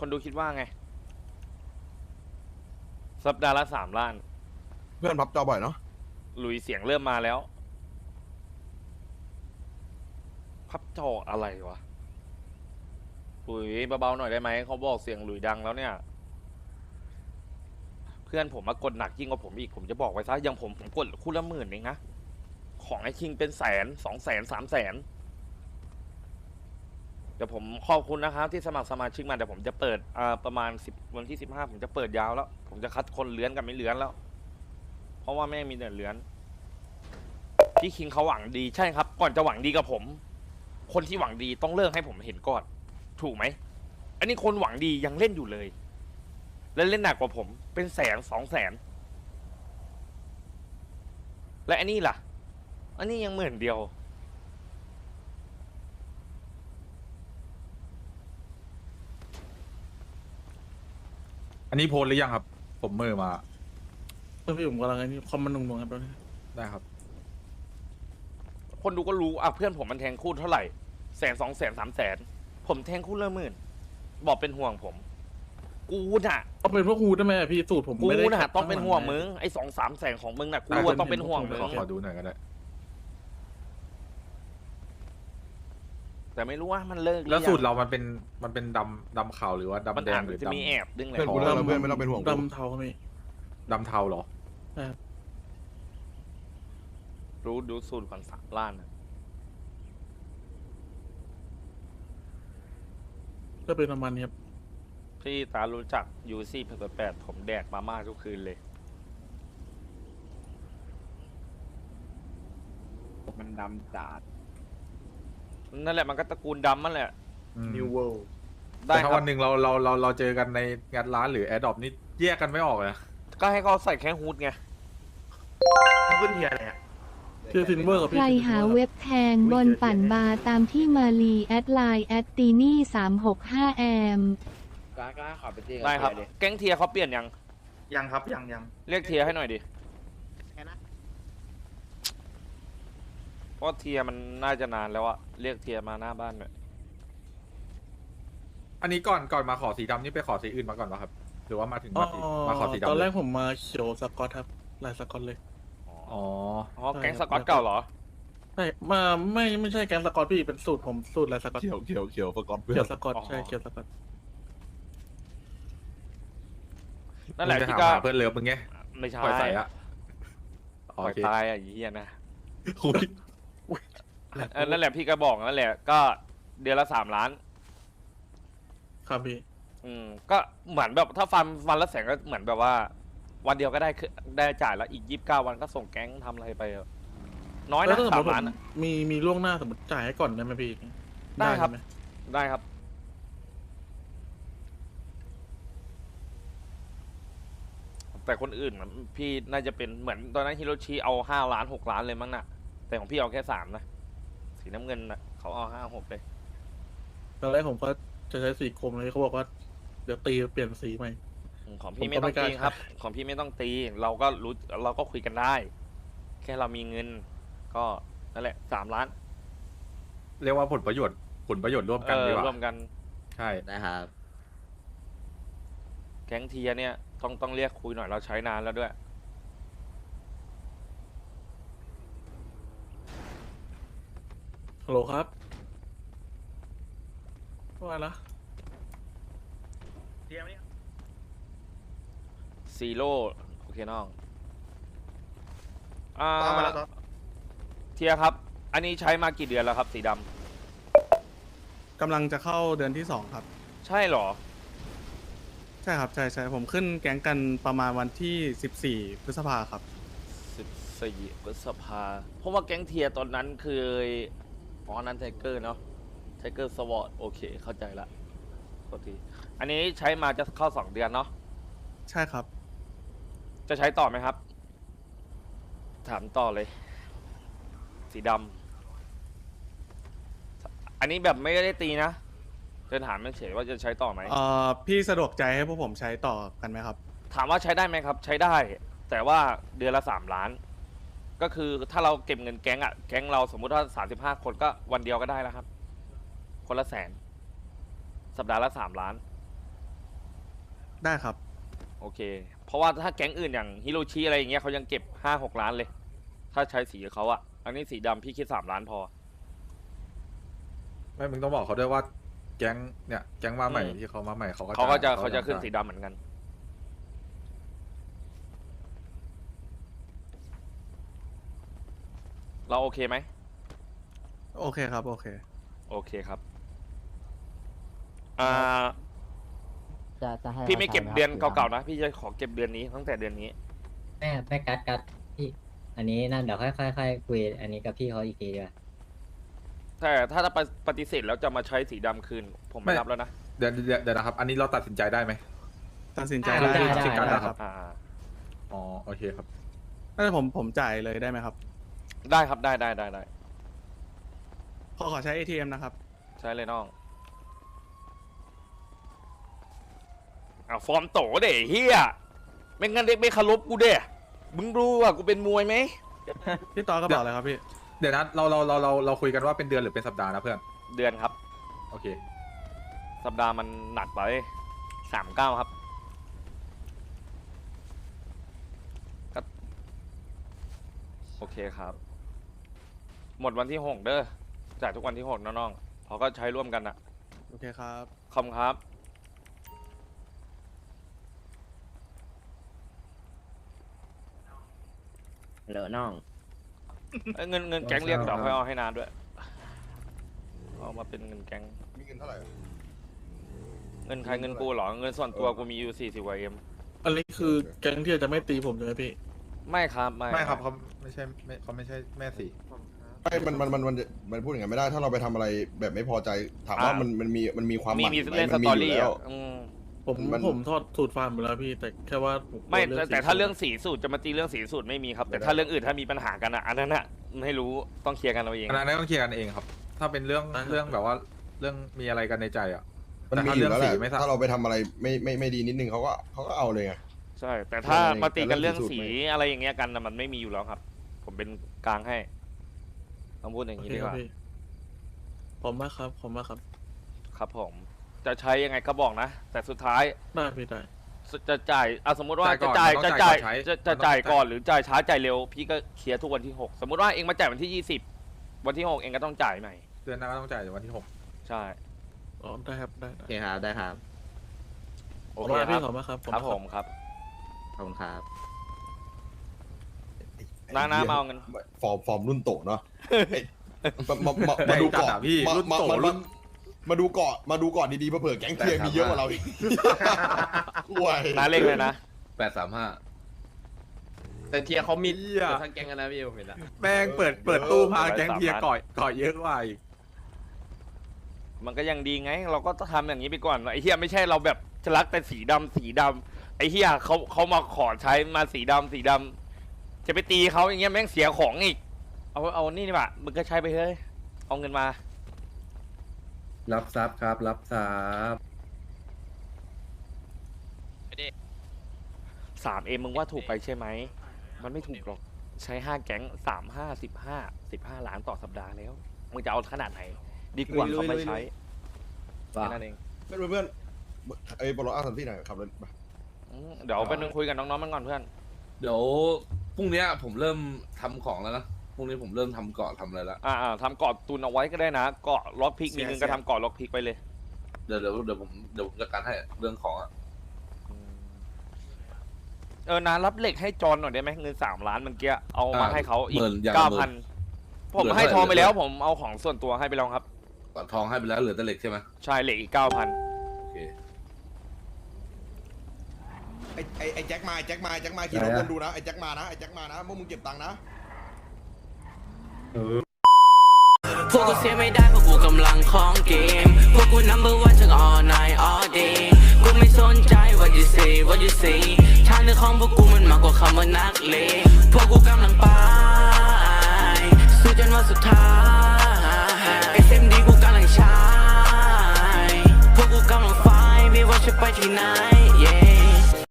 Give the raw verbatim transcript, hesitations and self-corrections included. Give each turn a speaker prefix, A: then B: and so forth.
A: คนดูคิดว่าไงสัปดาห์ละสามล้าน
B: เพื่อนพับจอบ่อยเนาะ
A: หลุยเสียงเริ่มมาแล้วพับจออะไรวะหลุยเบาๆหน่อยได้ไหมเขาบอกเสียงหลุยดังแล้วเนี่ยเพื่อนผมมากดหนักยิ่งกว่าผมอีกผมจะบอกไว้ซะอย่างผมผมกดคู่ละหมื่นเองนะของไอ้คิงเป็นแสนสองแสนสามแสนเดี๋ยวผมขอบคุณนะครับที่สมัครสมาชิกมาเดี๋ยวผมจะเปิดอ่าประมาณสิบวันที่สิบห้าผมจะเปิดยาวแล้ว ผมจะคัดคนเลื้อนกับไม่เลื้อนแล้ว เพราะว่าแม่งมีแต่เลื้อนพี่คิงเขาหวังดีใช่ครับ ก่อนจะหวังดีกับผม คนที่หวังดีต้องเลิกให้ผมเห็นก่อนถูกไหมอันนี้คนหวังดียังเล่นอยู่เลย และเล่นหนักกว่าผมเป็นแสนสองแสนและอันนี้ล่ะ อันนี้ยังหมื่นเดียว
C: อันนี้โพสหรือยังครับ ผมมือมา
D: เพื่อนพี่ผมกำลังไอ้นี่คอมมันนุ่งๆครับตอนนี้
C: ได้ครับ
A: คนดูก็รู้อ่ะเพื่อนผมมันแทงคู่เท่าไหร่แสนสองแสนสามแสนผมแทงคู่ละหมื่นบอกเป็นห่วงผม กูน่ะ
D: ต้องเป็นพวกฮูได้ไหมอะพี่สูตรผม
A: กู
D: ไม่ได้
A: น่ะ
D: ขัด
A: ต้องเป็นห่วง
D: ข้าหลั
A: มึงไอ้สองสามแสนของมึงน่ะกู
D: อ่ะ
A: อะต้องเป็นห่วง
D: ผม
A: มึ
D: เห็
A: ง
D: น
C: ขอดูหน่อยก็ได้
A: แต่ไม่รู้ว่ามันเลิกหอ
C: แล้วสูตร
A: ยัง
C: เรามันเป็นมันเป็นดำดำขาวหรือว่า
A: มัน
C: ดำแด
A: อาง จ
C: หรือ
A: จะมี
C: ดำ
A: แอบดึงแหละ
B: เพื่อนกูเลิกแล้วเพื่อนไม่ต้องเป็นห่วงกู
D: ดำเทาครับพี่
C: ดำเทาเหรอ
A: รู้ดูสูตรก่อนสามล้านน่ะ
D: ก็เป็นประมาณนี้ครับ
A: พี่ตารู้จักยูซี่แปดแปดผมแดกมาม่าทุกคืนเลย
E: มันดำจัด
A: นั่นแหละมันก็ตระกูลดำมันแหละ
C: อืม
E: New World
A: ได้
C: แต่
A: ค
C: ถ้า
A: รั
C: วั
A: บ
C: นหนึ่งเราเราเราเราเจอกันในงานร้านหรือแอร์ดรอปนี่แยกกันไม่ออกเลยนะ
A: ก็ให้เขาใส่แค่ฮูดไง
E: ขึ้นเทียร์อะไรอ่ะ
D: คือซินเวอร์กับ
F: ใค
D: พี่
F: รหาเว็บแทงบนปั่นบาร์ตามที่มาลีแอดไลน์แอดตีนี่สามหกห้าแอม
E: กล้ากล้าขอไปเจอ
A: ได้ครับ แก๊งเทียร์เขาเปลี่ยนยัง
E: ยังครับยังยัง
A: เรียกเทียร์ให้หน่อยดิเพราะเทียร์มันน่าจะนานแล้วอะเรียกเทียร์มาหน้าบ้านหน่อย
C: อันนี้ก่อนก่อนมาขอสีดำนี่ไปขอสีอื่นมาก่อนป่ะครับ หรือว่ามาถึง
D: อ๋อ
C: มาสีมาขอสีดำ
D: ตอนแรก
C: เลย
D: ผมมาเขียวสกอตครับลายสกอตเลย
C: อ๋อ
A: อ๋อแก๊งสกอตเก่าเหรอ
D: ใช่มาไม่ไม่ใช่แกงสกอตพี่เป็นสูตรผมสูตรลายสกอต
B: เขียวเขียวเขียวสกอตเพื่อ
D: เขีย
B: น
D: วสกอต
A: อ๋อ
D: ใช่เขียวสกอต
A: นั่นแหละ
C: มึงจะ
A: พี่
C: ถาม
A: ก็
C: หาเพื่อนเลิฟมึงไง
A: ไม่ใช่
C: ปล่อยใส่อะ
A: ปล่
C: โอ
A: อย
C: เค
A: ตายอ่ะไอ้เหี้ยนะ
D: คุย
A: เออนั่นแหละพี่ก็บอกนั่นแหละก็เดือนละสามล้าน
D: ครับพี่
A: อืมก็เหมือนแบบถ้าฟันวันละแสนก็เหมือนแบบว่า วันเดียวก็ได้คือได้จ่ายแล้วอีกยี่สิบเก้าวันก็ส่งแก๊งทำอะไรไปอะน้อย
D: แล้
A: นะ
D: วถ้าสม
A: สาม ม
D: ติผ
A: ล้าน
D: ม
A: อะ
D: มีมีล่วงหน้าสมมติจ่ายให้ก่อนได้ไหมพี่
A: ได้ครับ
D: ใช่หม
A: ได้ครับ แต่คนอื่นน่ะพี่น่าจะเป็นเหมือนตอนนั้นฮิโรชิเอาห้าล้านหกล้านเลยมั้งน่ะ แต่ของพี่เอาแค่สามนะสีน้ำเงินน่ะเขาเอาห้าหกเลย
D: ตอนแรกผมก็จะใช้สีกรมเลยเขาบอกว่าเดี๋ยวตีเปลี่ยนสีใหม่
A: อืมของ
D: ผม
A: พี่
D: ก็
A: ไม่ต้อง
D: ไม่กล้า
A: ตีครับ ของพี่ไม่ต้องตี เราก็รู้เราก็คุยกันได้ แค่เรามีเงิน ก็นั่นแหละสามล้าน
C: เรียกว่าผลประโยชน์ผลประโยชน์ร่วม
A: เอ
C: กัน
A: อ
C: ดีกว่า
A: ร่วมกัน
C: ใช่
E: นะครับ
A: แก๊งเทียเนี่ยต้องต้องเรียกคุยหน่อยเราใช้นานแล้วด้วย
D: ฮัลโหลครับว่าละ
E: เทียร์ไหม
A: ซีโร่โอเคน้องอ่า
E: ตามมาแล้วครับ
A: เทียครับ อันนี้ใช้มากี่เดือนแล้วครับ สีดำ
D: กำลังจะเข้าเดือนที่สองครับ
A: ใช่เหรอ
D: ใช่ครับใช่ใช่ผมขึ้นแก๊งกันประมาณวันที่สิบสี่พฤษภาครับ
A: สิบสี่พฤษภาเพราะว่าแก๊งเทียตอนนั้นคืออ๋อนั้นไทเกอร์เนาะไทเกอร์สวอตโอเค เข้าใจละโทษทีอันนี้ใช้มาจะเข้าสองเดือนเนาะ
D: ใช่ครับ
A: จะใช้ต่อไหมครับ ถามต่อเลย สีดำอันนี้แบบไม่ได้ตีนะจะถามเฉยๆว่าจะใช้ต่อไหม
D: เอ่อพี่สะดวกใจให้พวกผมใช้ต่อกันไหมครับ
A: ถามว่าใช้ได้ไหมครับ ใช้ได้ แต่ว่าเดือนละสามล้าน ก็คือถ้าเราเก็บเงินแก๊งอะแก๊งเราสมมุติว่าสามสิบห้าคนก็วันเดียวก็ได้แล้วครับ คนละแสน สัปดาห์ละสามล้าน
D: ได้ครับ
A: โอเค เพราะว่าถ้าแก๊งอื่นอย่างฮิโรชิอะไรอย่างเงี้ยเขายังเก็บห้าหกล้านเลย ถ้าใช้สีเขาอะอันนี้สีดำพี่คิดสามล้านพอ
C: ไม่มึงต้องบอกเขาด้วยว่าแก๊งเนี่ยแก๊งมาใหม่
A: อืม
C: ที่เขามาใหม่เขาก็
A: เขาก็จะ
C: จ่ย
A: เขาจะขึ้น
C: จ่ย
A: สีดำเหมือนกัน เราโอเคไหม
D: โอเคครับ โอเค
A: โอเคครับ อ่า
G: จะจะให้
A: พี่ไม่เก็บเดือน
G: ราใช้ไหมครับ
A: เก่าๆนะ พี่จะขอเก็บเดือนนี้ตั้งแต่เดือนนี้
G: แม่แม่กัดกัดพี่ อันนี้นั่นเดี๋ยวค่อยค่อยค่อยคุยอันนี้กับพี่เขาอีกทีดีกว่า
A: แต่ถ้าปฏิเสธแล้วจะมาใช้สีดำคืน ผมไม่รับแล้วนะ
C: เดี๋ยวเดี๋ยวเดี๋ยวนะครับ อันนี้เราตัดสินใจได้ไหม
D: ตัดสินใจ
G: ได้
D: ได้
G: ได้
D: ครับ
G: ได้
D: ได้ครับ
A: อ่า
C: อ๋อโอเคครับ
D: ถ้าผมผมจ่ายเลยได้ไหมครับ
A: ได้ครับได้ได้ได้ได้
D: ขอขอใช้ เอ ที เอ็ม นะครับ
A: ใช้เลยน้องอ่าฟอร์มโตเด้เฮียไม่งั้นเด็กไม่เคารพกูเด้มึงรู้ว่ากูเป็นมวยไหม
D: พี่ต่อก็บอกเลยครับพี่
C: เดี๋ยวนะเราเราเราเราเราคุยกันว่าเป็นเดือนหรือเป็นสัปดาห์นะเพื่อน
A: เดือนครับ
C: โอเค
A: สัปดาห์มันหนักไปสามเก้าครับก็โอเคครับ หมดวันที่หกเด้อจ่ายทุกวันที่หกนะน้องเขาก็ใช้ร่วมกันอะ
D: โอเคครับ
A: ขอบคุณครับ
G: เหลือน้อง
A: เอ้ยเงินเงินแก๊งเรียกเดี๋ยวค่อยเอาให้นานด้วยเอามาเป็นเงินแก๊ง
B: มีเงินเท่าไหร่อะ
A: เงินใครเงินกูเหรอเงินส่วนตัวกูมีอยู่สี่สิบกว่าเอ็ม
H: อันนี้คือแก๊งที่จะไม่ตีผมใช่ไหมพี่
A: ไม่ครับไม่
C: ไม่ครับเขาไม่ใช่ไม่เขาไม่ใช่แม่สี
B: ไม่มันมันมันมันมันพูดอย่างนั้นไม่ได้ ถ้าเราไปทำอะไรแบบไม่พอใจ ถามว่ามันมันมีมันมีความ
A: มี
B: หมั่น
A: มี
B: ไหม
A: เล่นส
B: มันมี
A: ตอ
B: อยู่
A: รี่
B: แล้
A: อ่ะ
B: ว
A: อืม
H: ผม
B: มัน
H: ผมทอดสูตรฟาร์มไปแล้วพี่ แต่แค่ว่าผ
A: ไม่
H: กลัว
A: แต่
H: สี
A: แต่ถ้า
H: สูต
A: เรื่องสีสูตรจะมาตีเรื่องสีสูตรไม่มีครับ แต่ถ้าเรื่องอื่นถ้ามีปัญหากันอ่ะอันนั้นอ่ะไม่รู้ต้องเคลียร์กันเอาเอง
C: อันนั้นต้องเคลียร์กันเองครับ ถ้าเป็นเรื่องเรื่องแบบว่าเรื่องมีอะไรกันในใจอ่ะ
B: มันมีอยู่แล้วแหละ
C: แต่ถ้าเรื่องสีไม่ทราบ
B: ถ้าเราไปทำอะไรไม่ไม่ไม่ดีนิดนึงเขาก็เขาก็เอาเลยไง
A: ใช่ แต่ถ้า
B: เรื่องอะไร
A: มาตีกัน
B: แต่เรื่
A: เรื่อ
B: อง งสี
A: สี
B: สูตรไม่
A: อะไรอย่างเงี้ยกันน่ะมันไม่มีอยู่แล้วครับ ผมเป็นกลางให้ต้องพูดอย่าง
H: โอ
A: นี้
H: เค
A: ดี
H: ค
A: ก
H: รับ
A: ว่า
H: พี่ผมมากครับ ผมมากครับ
A: ครับผม จะใช้ยังไงก็บอกนะ แต่สุดท้าย
H: ได้พี่ได้
A: จะจ่ายอ่ะสมมติว่า
C: จ่ายก่
A: จะ
C: อน
A: จ่าย
C: มันต้อง
A: จะ
C: จ่า
A: จ่าย ย
C: ก่อนใช้มันต้องจ่าย
A: จะจะจ่ายก่อนหรือจ่ายช้าจ่ายเร็ว พี่ก็เคลียร์ทุกวันที่หกสมมติว่าเองมาจ่ายวันที่ยี่สิบวันที่หกเองก็ต้องจ่ายใหม่
C: เดือนหน้าก็ต้องจ่ายในวันที่หก
A: ใช่
H: อ๋อ ได้ครับ ได้
G: โอเคครับ ได้ครับ
A: โอ
H: ขอบ
A: เค
H: คุณ
A: ค
H: พี่
A: รับ
H: ขอบมากครับ
A: ครับผมครับ
G: ขอบคุณครับ
A: น้าน้ามาเอาเงิน
B: ฟอร์มฟอร์มรุ่นโตเนาะมามามามาดู
C: จัด
B: เกาะ
C: อะพี่
B: มา
C: รุ่น
B: มา
C: โต
B: มา
C: รุ่น
B: มาดูเกาะมาดูเกาะดีๆเผื่อแก๊งเทียร์มีเยอะกว่าเราอีกห่วย
A: น้าเลขเลยนะ
I: แปดสามห้า
E: แต่เทียร์เขามี
C: เหี้ย
E: ทั้งแก๊งกันนะพี่ผมเห็นแล้ว
C: แม่งเปิดเปิดตู้พาแก๊งเทียร์ก่อยก่อยเยอะกว่าอีก
A: มันก็ยังดีไง เราก็ต้องทำอย่างนี้ไปก่อนไอ้เฮียไม่ใช่เราแบบจะรักแต่สีดำสีดำไอ้เฮียเขาเขามาขอใช้มาสีดำสีดำจะไปตีเขาอย่างเงี้ยแม่งเสียของอีก เอาเอานี่นี่ป่ะมึงก็ใช้ไปเฮ้ยเอาเงินมา
I: รับทรัพย์ครับ รับทรัพย์
A: สามเอ็มมึงว่าถูกไปใช่ไหม มันไม่ถูกหรอก ใช้ห้าแก๊งสามห้าสิบห้าสิบห้าล้านต่อสัปดาห์แล้ว มึงจะเอาขนาดไหน ดีกว่าเขาไม่ใช้แค่นั้นเอง
B: เพื่อนเพื่อนไอ้บอลลูนอาร์สันที่ไหนขับรถมา
A: อืมเดี๋ยวไปนึงคุยกับน้องๆมันก่อนเพื่อน
I: เดี๋ยวพรุ่งเนี้ยผมเริ่มทำของแล้วนะ พรุ่งนี้ผมเริ่มทำเกาะทำอะไรแล้ว
A: อ่าๆทำเกาะตุนเอาไว้ก็ได้นะ เกาะล็อกพิกมีเงินก็ทำเกาะล็อกพิกไปเลย
I: เดี๋ยวเดี๋ยวเดี๋ยวผมเดี๋ยวผมจัดการให้เรื่องของอ่ะ
A: เออนารับเหล็กให้จอนหน่อยได้ไหมเงินสามล้านเมื่อกี้เอามาให้เขาอีก
I: หมื่นอย่าง
A: เก้า
I: ละหมื่
A: พัน
I: น
A: ผมให้ทองไปแล้ว ผมเอาของส่วนตัวให้ไปแล้วครับ
I: ก่อนทองให้ไปแล้วเหลือแต่เหล็กใช่ไหม
A: ใช่เหล็กอีกเก้าพัน
I: โอเค
B: ไอ้ไอ้ไอ้แจ็คมาไอ้แจ็คมาไอ้แจ็คมาขี่รถวนดูนะไอ้แจ็คมานะไอ้แจ็คมานะพวกมึงเก็บตังค์นะ
J: พวกกูเสียไม่ได้เพราะกูกำลังของเกม พวกกู number one ทั้ง all night all day กูไม่สนใจ what you say what you say ทางเดินของพวกกูมันมากกว่าคำว่านักเลงพวกกูกำลังไปสู้จนวันสุดท้าย เอส เอ็ม ดี กูกำลังใช้พวกกูกำลังไฟไม่ว่าจะไปที่ไหน yeah